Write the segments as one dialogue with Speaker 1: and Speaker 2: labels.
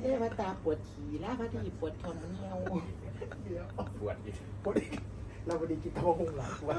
Speaker 1: ทวตาปวดฉี่ลาพอดีปวดท้องเหี่ยว
Speaker 2: เดี๋ยว
Speaker 3: ปวดอีก
Speaker 2: ปวดอีกเราพอดีกินโต๊ะหงหลังปวด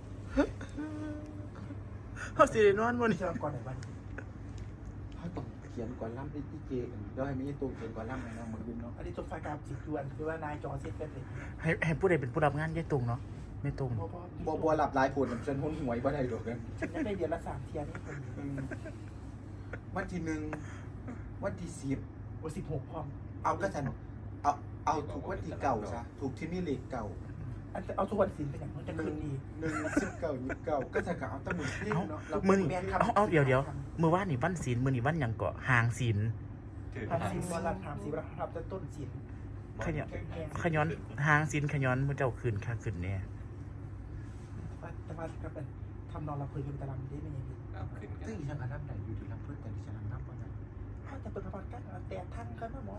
Speaker 4: เขาสิได้นอนบ่นี่
Speaker 2: เชื่อก่อนไหนบ้าง
Speaker 1: เขาต้องเขียนก่อนล่ำไอ้ที่เจเดี๋ยวให้มีตัวเขียนก่อนล่ำให้น้องมึงดูเนาะ
Speaker 2: อันนี้จบไฟกราฟสิบจวนคือว่านายจอเซ็ตเป็นเลย
Speaker 4: ให้ผู้ใดเป็นผู้รับงานยายตุงเนาะไม่ตุง
Speaker 1: บัวหลับหลายปวดฉันหุ้นหวยบ่ได้ดอกเนี่ย
Speaker 2: ฉันยังได้เดือนละ3 เทียนี่คน
Speaker 1: วันที่1วันที่10
Speaker 2: โอ้16พร้อม
Speaker 1: เอาก็ฉันเอาถูกวันที่เก่าซะถูกที่นี่เลขเก่า
Speaker 2: อันจะเอาทุกวันศิลป์เป็นอย่างนั้นจะคืนดี
Speaker 1: 19ก็ฉันก็เอาตั้งมือเพ่งเนาะ
Speaker 4: มื้อนี้เอาเดี๋ยวมื้อวานนี่วันศีลมื้อนี้วันหยังเกาะหางศีล
Speaker 2: ทำศิลป์วันละ30วันทำจะต้นศิลป์
Speaker 4: ขย้อนหางศีลขย้อนมื้อเจ้าคืนค่าคืนแน่
Speaker 2: แต่ว่าก็เป็นทำนอนละเพลินกันตารางได้ไม่ยังดี
Speaker 3: เอาขึ้นกัน
Speaker 1: ซึ่งฉันก็นับได้อยู่ที่ลำเพิ่นแต่ดิฉันนับบ่ได้
Speaker 2: เขาจะเปิดประวัติกันแต่ท่านก็ไม่หมอ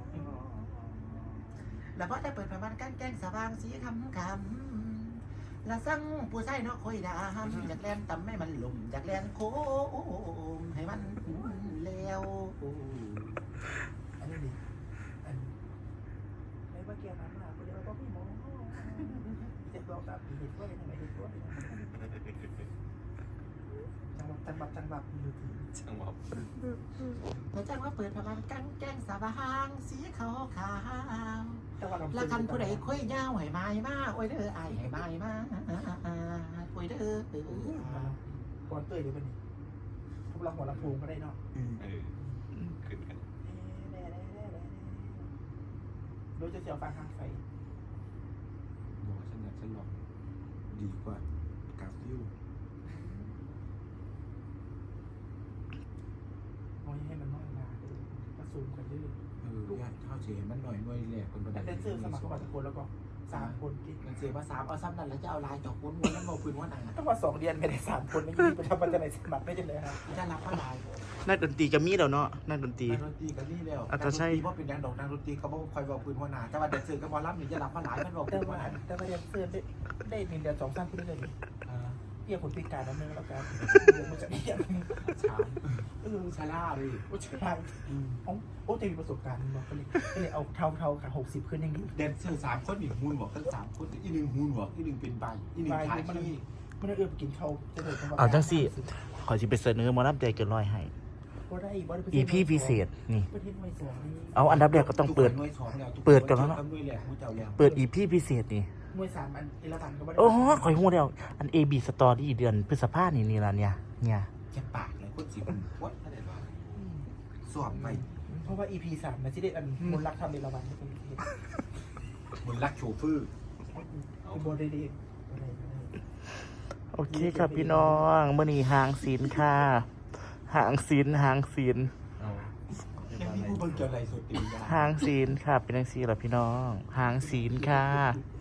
Speaker 1: แล้วพอได้เปิดประมาณการแกงสว่างสีคำและสั่งผู้ใส่เนาะคอยดามอยากแล่นตำให้มันลุ่มอยากแล่นโค้งให้มันแล้ว
Speaker 2: อันนี้ดีอันไม่ว่าเกี่ยวกับมาคนเดียวก็ไม่หมอเจ็บตัวกับเห็ดตัวยังไงเห็ดตัวยังไงจังหวัดดูที
Speaker 3: ช่างหมอบ
Speaker 1: พระเจ้าว่าเปิดประมาณการแกงสว่างสีขาวขาว
Speaker 2: จังหวัด
Speaker 1: ละคันผู้ใดคุยยาวให้มาให้มาโอ้ยเด้อไอ้ให้มาให้มาโอ้ยเด้อ
Speaker 2: ก่อนเตยเดี๋ยวเป็นพวกเราหัวลำโพงก็ได้เนาะ
Speaker 3: เออขึ้นกัน
Speaker 2: โดยจะเสียวฟังทางไฟ
Speaker 1: บอกฉันลองดีกว่ากาฟิว
Speaker 2: มองให้มันน้อยมามาซูมกันดื้อ
Speaker 1: ญาติข้าวเสียมันหน่อยหน่วยแหลกคนประ
Speaker 2: แต่
Speaker 1: เด็น
Speaker 2: เดนเซอร์สมัครเข้ามาทุกคนแล้วก็3 คนที่
Speaker 1: มันเสียภาษาเอาซ้ำนั่นแล้วจะเอาลายจอกม้วนนั่นมาพื้นว่าหนา
Speaker 2: ต้องมา2 เดือนไม่ได้3 คนไม่ยี่ไปทำมันจะไหนสมัครไม่ได้เลยครับ
Speaker 1: จะรับว่าลาย
Speaker 4: นักดนตรีก็มีแล้วเนาะนักดนตรี
Speaker 1: นักดนตรีกันนี่แล้วนักดนตรีเพราะเป็นแดนดอกนักดนตรีเขาบอกคอยบอกพื้นว่าหนาแต่ว่าเด็กเสือกับบอลลัมนี่จะรับว่าลายมันบอก
Speaker 2: แต่
Speaker 1: พื้น
Speaker 2: ว่า
Speaker 1: ว่าหนา
Speaker 2: แต่ว่าเดนเซอร์ได้1 เดือน2 3 คนเลยเกี่ยวคนพิการนั่นเองแล้วกันมันจะเกี่ยว
Speaker 1: ช้างชาล่าเลย
Speaker 2: โอ้ใช่โอ้จะมีประสบการณ์บอกก็เลยเอาเท่าค่ะ60 ขึ้นยังดี
Speaker 1: แดนเซอร์3 คนอีกมูนบอกทั้ง3 คนอีก1มูนบอกอีก1เป็นใบอีก1ขายที่
Speaker 2: มันเอื้อไปกินข้าวจะเดิน
Speaker 4: เอาจังสิขอสิไปเสนอหมอลำใจเกินร้อยให้ EP พิเศษนี่
Speaker 2: ประเทศไม่สองนี่
Speaker 4: เอาอันดับแรกก็ต้องเปิด ก่อนแล้วเนาะ เปิด EP พิเศษนี่
Speaker 2: มวย3 อันเอราวันก็ไม่ได้
Speaker 4: โอ้โหข่อยฮู้แล้วอัน AB Story เดือนพฤษภาคมนี่ล่ะเนี่ย
Speaker 1: จะปากเลยคนสิมันวัดอะไรบ้างสวมไป
Speaker 2: เพราะว่า EP 3มันจะได้อันมนรักทำเอราวันที่เป็นเห็น
Speaker 1: มันรักโชเฟอร์
Speaker 2: โบได้ดี
Speaker 4: โอเคครับพี่น้องมื้อนี้หางศีลค่ะหางศีล
Speaker 1: ยังมีผู้เบิ่งเกี่ยวอะไรสุดตี
Speaker 4: หางศีลค่ะเป็นจังซี่ล่ะพี่น้องหางศีลค่ะ